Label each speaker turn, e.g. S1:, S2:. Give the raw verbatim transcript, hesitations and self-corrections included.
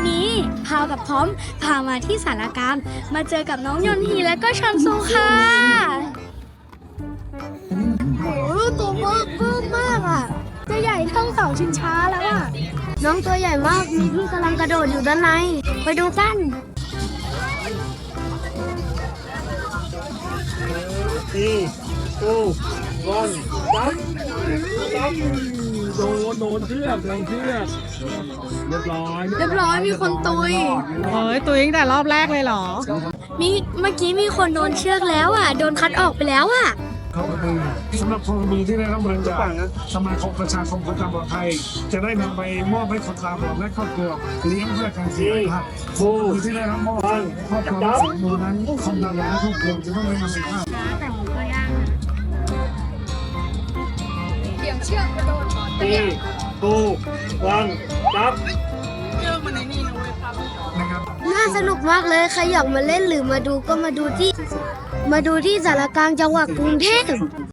S1: นี้พาวกับพร้อมพามาที่สารกลางมาเจอกับน้องยนฮีและก็ชันซูค่ะโอ้โหตัวเบิกเพิ่มมากอ่ะจะใหญ่เท่าเสาชิงช้าแล้วอ่ะน้องตัวใหญ่มากมีพี่กำลังกระโดดอยู่ด้านในไปดูกัน
S2: สี่ตู้วันจับจับโดนโดนเชือกโดนเชือกเรียบร้อย
S1: เรียบร้อยมีคนตุย
S3: เฮ้ยตัวตั้งแต่รอบแรกเลยเหรอ
S1: มีเมื่อกี้มีคนโดนเชือกแล้วอ่ะโดนคัดออกไปแล้วอ่ะ
S4: เขาก็คือสำหรับพลเมืองที่ได้รับเงินจากสมาคมประชาคมคนตาบอดไทยจะได้นำไปมอบให้คนตาบอดและครอบครัวเลี้ยงเพื่อการเสียภาพผู้ที่ได้รับมอบครอบครัวและสองมือนั้นคนตาบอดและครอบครัวจะต้องได้นำไปภาพ
S1: แต่ผมก็ยากเกี่ยวเชือกกระโดด
S2: สี่ตู้วันจับ
S1: น่าสนุกมากเลยใครอยากมาเล่นหรือมาดูก็มาดูที่มาดูที่สารกลางจังหวัดกรุงเทพ